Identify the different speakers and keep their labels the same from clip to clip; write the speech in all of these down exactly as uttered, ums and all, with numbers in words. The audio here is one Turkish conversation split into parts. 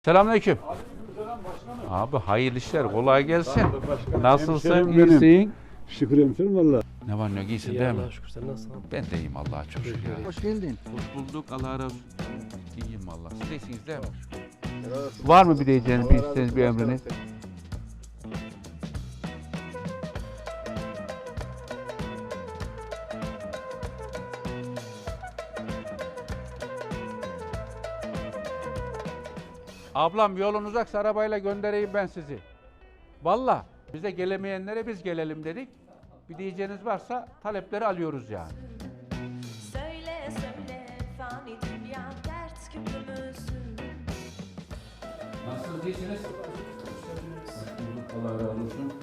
Speaker 1: Selamünaleyküm. Abi hayırlı işler, kolay gelsin. Nasılsın,
Speaker 2: Hemşerim benim.
Speaker 1: iyisin?
Speaker 2: Şükür hemşerim valla.
Speaker 1: Ne var ne yok, iyisin
Speaker 3: İyi
Speaker 1: değil mi?
Speaker 3: Allah'a şükür, sen nasılsın?
Speaker 1: Ben de iyiyim Allah'a çok şükür. ya.
Speaker 4: Hoş geldin.
Speaker 1: Hoş bulduk, Allah razı olsun. İyiyim valla. Siz de iyisiniz değil mi? Var mı bir diyeceğiniz, bir isteğiniz, bir emriniz? Ablam yolun uzaksa arabayla göndereyim ben sizi. Valla bize gelemeyenlere biz gelelim dedik. Bir diyeceğiniz varsa talepleri alıyoruz yani.
Speaker 5: Söyle söyle fani dünya dert küpümüzün.
Speaker 1: Nasılsınız, iyisiniz? Allah razı olsun.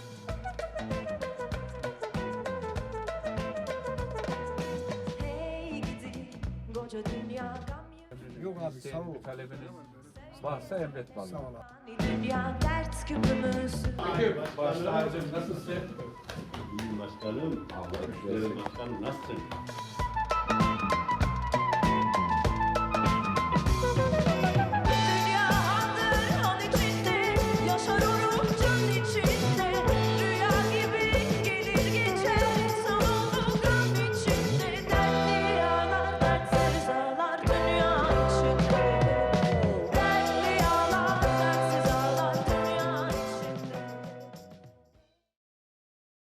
Speaker 5: Hey gidi koca dünya gam
Speaker 4: Yok abi sağ ol.
Speaker 1: Talebiniz varsa emret vallahi.
Speaker 5: fani dünya dert küpümüzün.
Speaker 1: Başkanım nasılsın?
Speaker 6: İyiyim başkanım. Allah başkanım nasılsın?